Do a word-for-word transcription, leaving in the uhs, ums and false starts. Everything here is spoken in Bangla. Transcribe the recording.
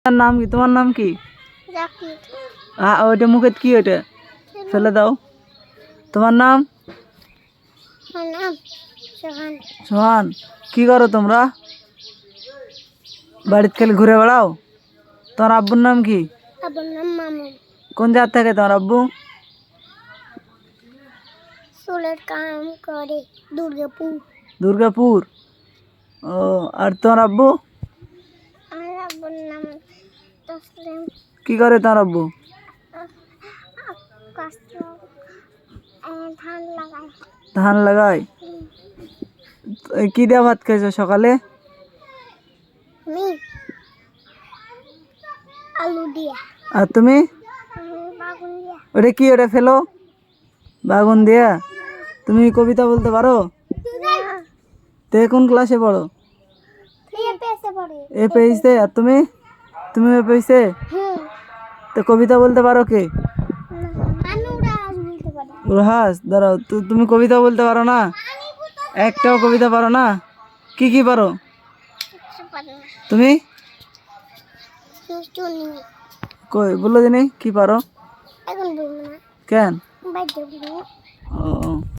তার নাম কি? তোমার নাম কি? জাকির। হ্যাঁ, ওইটা মুখে কি? ওইটা ফেলে দাও। তোমার নাম? আমার নাম সোহান। সোহান। কি করো তোমরা? বাড়িতে খেলে ঘুরে বেড়াও? তোমার আব্বুর নাম কি? আব্বুর নাম মামুন। কোন জাত থাকে তোমার আব্বু? চুলের কাম করে দুর্গাপুর। দুর্গাপুর। ও, আর তোমার আব্বু? আমার আব্বুর নাম তসলিম। কি করে তোমার আব্বু? কষ্ট ধান লাগায়। ধান লাগায়। এই কি দিয়ে ভাত খাইছো সকালে? আমি আলু দিয়া। আর তুমি? আমি বাগুন দিয়া। ওটা কি? ওটা ফেলো। বাগুন দিয়া। তুমি কবিতা বলতে পারো? না। তে কোন ক্লাসে পড়ো? এ পেছে পড়ে। এ পেইছে। আর তুমি? তুমি এ পেইছে? হুম। তো কবিতা বলতে পারো কে? আমি উড়াস বলতে পারি। উড়হাস। দাঁড়াও, তো তুমি কবিতা বলতে পারো না? একটাও কবিতা পারো না? কি কি পারো কিছু পারি না। তুমি? শুনি। কই বলো দিনি কি পারো? এখন বলবো না। কেন? বাইরে বলবো। ও